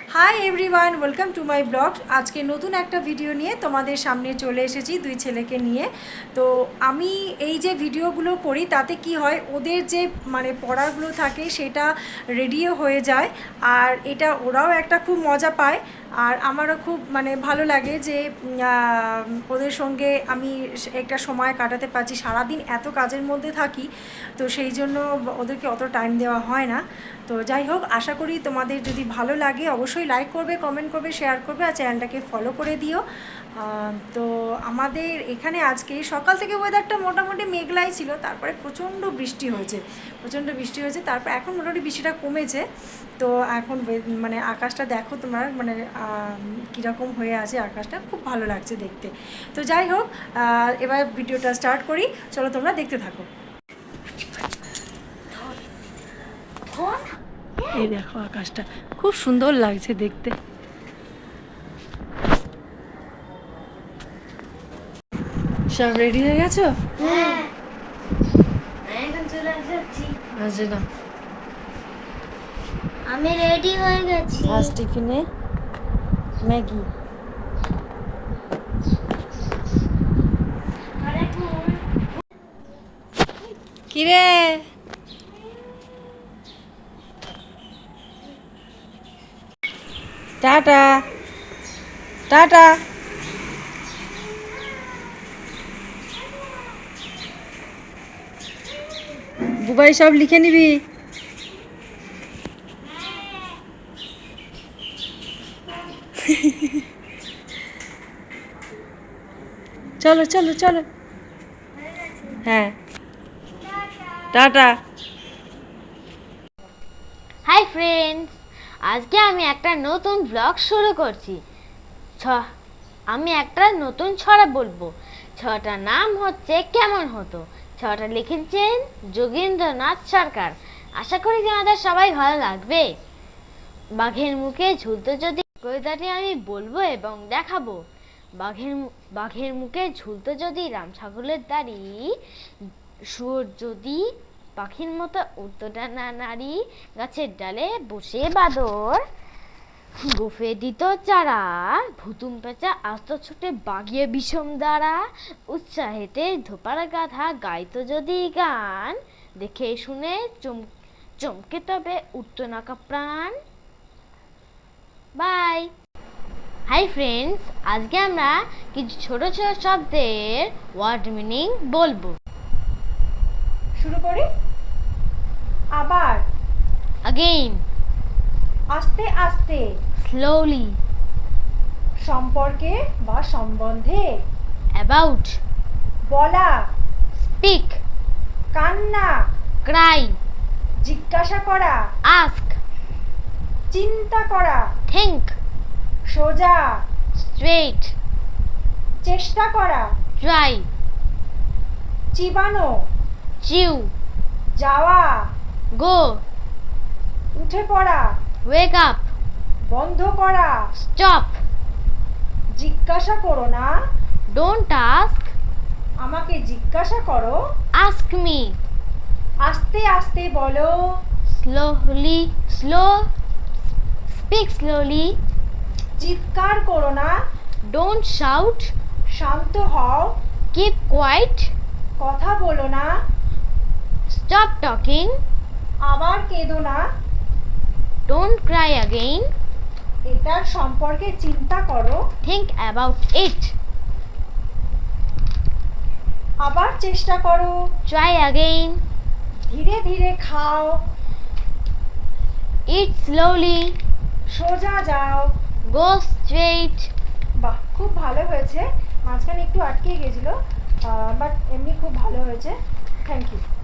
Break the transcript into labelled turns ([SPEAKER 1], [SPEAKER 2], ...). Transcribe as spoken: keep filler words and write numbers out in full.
[SPEAKER 1] High everyone, welcome to my blog. আজকে নতুন একটা ভিডিও নিয়ে তোমাদের সামনে চলে এসেছি দুই ছেলেকে নিয়ে। তো আমি এই যে ভিডিওগুলো করি তাতে কি হয়, ওদের যে মানে পড়াগুলো থাকে সেটা রেডিও হয়ে যায়, আর এটা ওরাও একটা খুব মজা পায়, আর আমারও খুব মানে ভালো লাগে যে ওদের সঙ্গে আমি একটা সময় কাটাতে পারছি। সারাদিন এত কাজের মধ্যে থাকি, তো সেই জন্য ওদেরকে অত টাইম দেওয়া হয় না। তো যাই হোক, আশা করি তোমাদের যদি ভালো লাগে অবশ্যই লাইক করবে, কমেন্ট করবে, শেয়ার করবে, আর চ্যানেলটাকে ফলো করে দিও। তো আমাদের এখানে আজকে সকাল থেকে ওয়েদারটা মোটামুটি মেঘলাই ছিল, তারপরে প্রচণ্ড বৃষ্টি হয়েছে প্রচণ্ড বৃষ্টি হয়েছে তারপর এখন মোটামুটি বৃষ্টিটা কমেছে। তো এখন মানে আকাশটা দেখো তোমার, মানে কীরকম হয়ে আছে আকাশটা, খুব ভালো লাগছে দেখতে। তো যাই হোক, এবার ভিডিওটা স্টার্ট করি, চলো তোমরা দেখতে থাকো। এই দেখো আকাশটা খুব সুন্দর লাগছে দেখতে। সব রেডি হয়ে গেছো?
[SPEAKER 2] হ্যাঁ, এখন চলে যাচ্ছি।
[SPEAKER 1] আচ্ছা না,
[SPEAKER 2] আমি রেডি হয়ে গেছি।
[SPEAKER 1] আজ টিফিনে ম্যাগি। কিরে টাটা টাটা। বুবাই সব লিখে নিবি। চলো চলো চলো, হ্যাঁ টাটা।
[SPEAKER 2] হাই ফ্রেন্ডস, আজকে আমি একটা নতুন ব্লগ শুরু করছি। ছ আমি একটা নতুন ছড়া বলবো। ছড়াটার নাম হচ্ছে কেমন হতো। ছড়াটা লিখেছেন যোগেন্দ্রনাথ সরকার। আশা করি তোমাদের সবাই ভালো লাগবে। বাঘের মুখে ঝুলতো যদি, কবিতাটি আমি বলবো এবং দেখাবো। বাঘের বাঘের মুখে ঝুলতো যদি রাম ছাগলের দাড়ি, শুয়োর যদি পাখির মতো উড়তো ডানা নাড়ি, গাছের ডালে বসে বাদর গোফে দিত চারা, ভুতুম পেঁচা আস্ত ছুটে বাগিয়ে বিষম দ্বারা, উৎসাহেতে ধোপার গাধা গাইতো যদি গান, দেখে শুনে চম চমকে তবে উঠতো না প্রাণ। বাই। হাই ফ্রেন্ডস, আজকে আমরা কিছু ছোট ছোট শব্দের ওয়ার্ড মিনিং বলবো।
[SPEAKER 1] শুরু করি। আবার,
[SPEAKER 2] अगेन,
[SPEAKER 1] আস্তে আস্তে,
[SPEAKER 2] slowly,
[SPEAKER 1] সম্পর্কে বা সম্বন্ধে,
[SPEAKER 2] about,
[SPEAKER 1] বলা,
[SPEAKER 2] speak,
[SPEAKER 1] কান্না,
[SPEAKER 2] cry,
[SPEAKER 1] জিজ্ঞাসা করা,
[SPEAKER 2] ask,
[SPEAKER 1] চিন্তা করা,
[SPEAKER 2] think,
[SPEAKER 1] সোজা,
[SPEAKER 2] straight,
[SPEAKER 1] চেষ্টা করা,
[SPEAKER 2] try,
[SPEAKER 1] চিবানো,
[SPEAKER 2] chew,
[SPEAKER 1] যাওয়া,
[SPEAKER 2] go,
[SPEAKER 1] উঠে পড়া,
[SPEAKER 2] wake up,
[SPEAKER 1] বন্ধ করা,
[SPEAKER 2] stop,
[SPEAKER 1] জিজ্ঞাসা করো না,
[SPEAKER 2] don't ask,
[SPEAKER 1] আমাকে জিজ্ঞাসা করো,
[SPEAKER 2] ask me,
[SPEAKER 1] আস্তে আস্তে বলো,
[SPEAKER 2] slowly, slow, speak slowly,
[SPEAKER 1] চিৎকার করো না,
[SPEAKER 2] don't shout,
[SPEAKER 1] শান্ত হও,
[SPEAKER 2] keep quiet,
[SPEAKER 1] কথা বলো না,
[SPEAKER 2] stop talking,
[SPEAKER 1] আবার কেঁদো না,
[SPEAKER 2] don't cry again,
[SPEAKER 1] এটার সম্পর্কে চিন্তা করো,
[SPEAKER 2] think about it,
[SPEAKER 1] আবার চেষ্টা করো,
[SPEAKER 2] try again,
[SPEAKER 1] ধীরে ধীরে খাও,
[SPEAKER 2] eat slowly,
[SPEAKER 1] সোজা যাও।
[SPEAKER 2] go straight.
[SPEAKER 1] বাহ, খুব ভালো হয়েছে। মাঝখানে একটু আটকে গেছিল, বাট এমনি খুব ভালো হয়েছে। Thank you.